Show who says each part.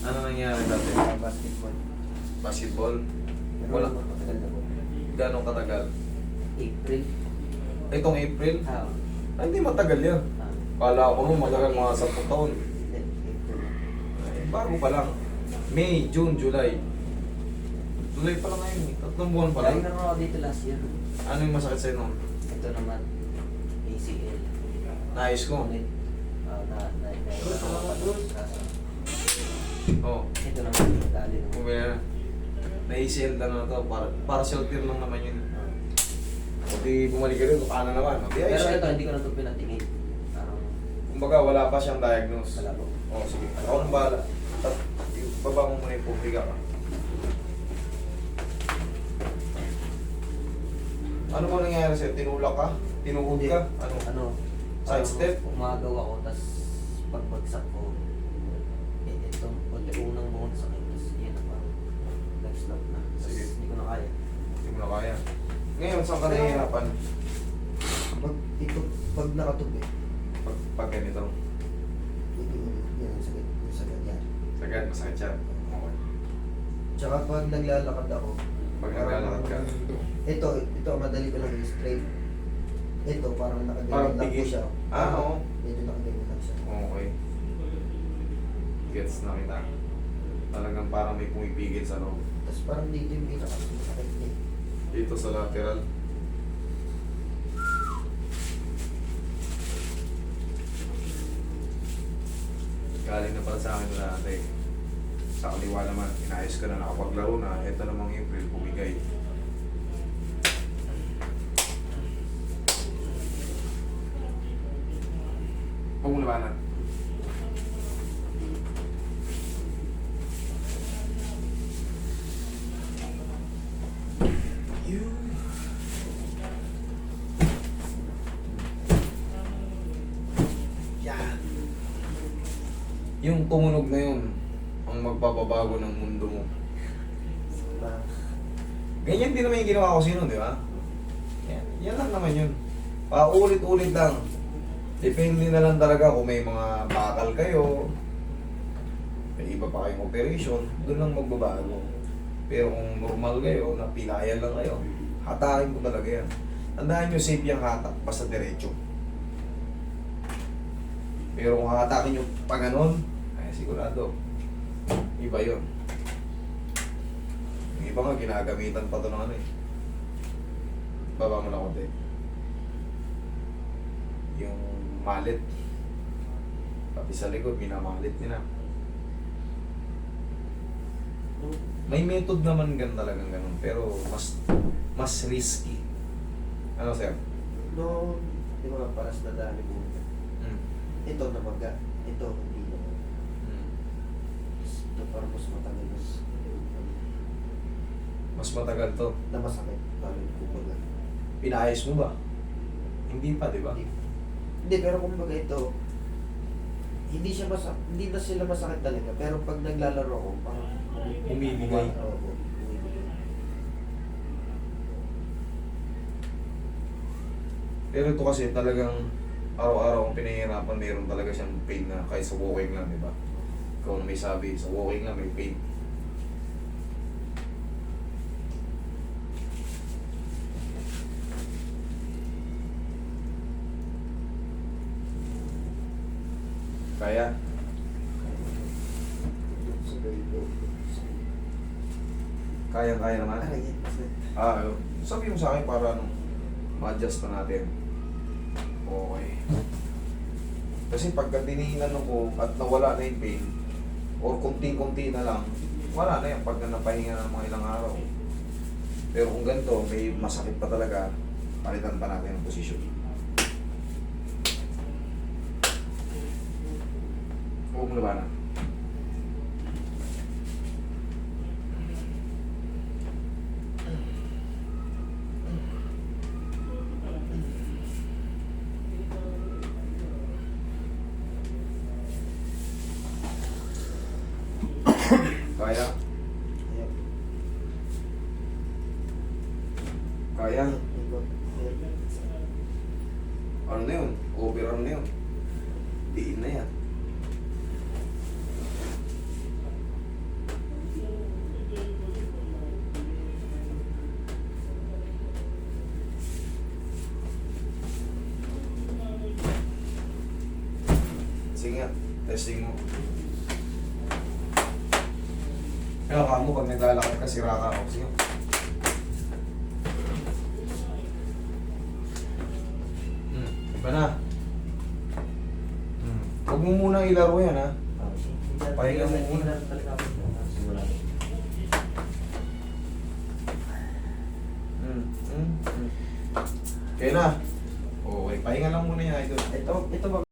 Speaker 1: Ano nangyari dati?
Speaker 2: Basketball.
Speaker 1: Basketball?
Speaker 2: Pero
Speaker 1: Wala.
Speaker 2: matagal na po.
Speaker 1: Gano'ng katagal?
Speaker 2: April.
Speaker 1: Itong April?
Speaker 2: Ah,
Speaker 1: Ay, hindi matagal yan.
Speaker 2: ah,
Speaker 1: Kala ko mo matagal mga 10 taon.
Speaker 2: hindi, April.
Speaker 1: Ay, bago pa lang. May, June, July. July pa lang ngayon eh. 3 buwan pa lang.
Speaker 2: Lagi na ako dito last year.
Speaker 1: Ano yung masakit sa'yo nun?
Speaker 2: Ito naman, ACL.
Speaker 1: Naayos ko.
Speaker 2: Ulit.
Speaker 1: Oo.
Speaker 2: Ito naman, dali naman.
Speaker 1: Kumaya na. Na-ACL na to. Para shelter lang naman yun. O di bumalik ka rin. Paano naman? O di
Speaker 2: Pero
Speaker 1: ayos.
Speaker 2: ito, hindi ko na ito pinatingin. Parang,
Speaker 1: Kumbaga wala pa siyang diagnose.
Speaker 2: wala po.
Speaker 1: Oo, sige. Ako nang bahala. Baba mo muna yung pubriga ka. Ano ba nangyayari sa'yo? Tinulak ka? Tinuhod ka? Ano?
Speaker 2: Ano?
Speaker 1: Side
Speaker 2: parang
Speaker 1: step?
Speaker 2: Umagaw ako, tas pagbagsak ko, ito, unang buong sakit, tas yan na parang nag-stop na. Tas
Speaker 1: Sige.
Speaker 2: hindi ko na kaya.
Speaker 1: Hindi mo na kaya. Ngayon, saan ka nahihirapan?
Speaker 2: Pag nakatubi,
Speaker 1: Pag ganito.
Speaker 2: yan ang sakit, yung sakit yan.
Speaker 1: Sagad, masakit yan. Okay.
Speaker 2: Tsaka pag naglalakad ako,
Speaker 1: Pag naglalakad ka.
Speaker 2: ito madali ko lang i-straight. Ito parang
Speaker 1: Parang
Speaker 2: nakaganyan lang po
Speaker 1: pigil.
Speaker 2: siya.
Speaker 1: Oo.
Speaker 2: Medyo nakaganyan lang siya.
Speaker 1: Okay. Gets na kita. Talagang parang may pumipigil sa loob.
Speaker 2: Tapos parang dito yung pinaka-sakit niya.
Speaker 1: Dito sa lateral. Galing na pala sa akin na dati. Sa kaliwa naman, inayos ka na, nakapaglaro na. Ito namang April, bumigay. Huwag mo labanan. Yan. Yung tumunog na yun, ang magpapabago ng mundo mo. Ganyan din naman yung ginawa ko sino, di ba? Yan lang naman yun. Paulit-ulit lang. Depende na lang talaga kung may mga bakal kayo, may iba pa kayong operation, doon lang magbabago. Pero kung normal kayo, napilayan lang kayo, hatakin ko talaga yan. Tandaan nyo, safe yung hatak, basta diretso. Pero kung hatakin nyo pa ganon, ay sigurado, iba yun. Yung iba nga, ginagamitan pa to ng ano eh. Baba mo na konti. Yung malit. Pati sa likod, minamalit nila. May method naman gan talagang ganun, pero mas risky. Ano sir?
Speaker 2: No, di ba paras na dali mo. Ito na maga. Ito, hindi naman. Ito parang mas matagal
Speaker 1: Mas matagal to.
Speaker 2: na masakit. Lalo yung kukulang.
Speaker 1: Pinayos mo ba? Hindi pa, di ba?
Speaker 2: Hindi, pero kumbaga ito, hindi na sila masakit talaga. Pero pag naglalaro ako, parang
Speaker 1: Umibigay.
Speaker 2: Oo, umibigay.
Speaker 1: Pero ito kasi talagang araw-araw kung pinahihirapan, mayroon talaga siyang pain na kahit sa walking lang, di ba? Ikaw na may sabi, sa walking lang may pain. Kaya, kaya naman. Sabi mo sa akin para ma-adjust pa natin. Okay. Kasi pagka tinihinan ko at nawala na yung pain, or kunting-kunti na lang, wala na yan pagka napahinga ng mga ilang araw. Pero kung ganito, may masakit pa talaga, palitan pa natin ang posisyon. Huwag mo labanan. Kaya? Kaya? Ano na yun? Overarm na yun. Diin na yan. Sige nga, testing mo. Kaya ka mo, pag naglalakad ka, sira ka ako. Sige. Iba na. Huwag mo muna ilaro yan, ha? Pahinga mo muna.
Speaker 2: Simula.
Speaker 1: Okay na. Okay, pahinga lang muna yan, idol.
Speaker 2: Ito ba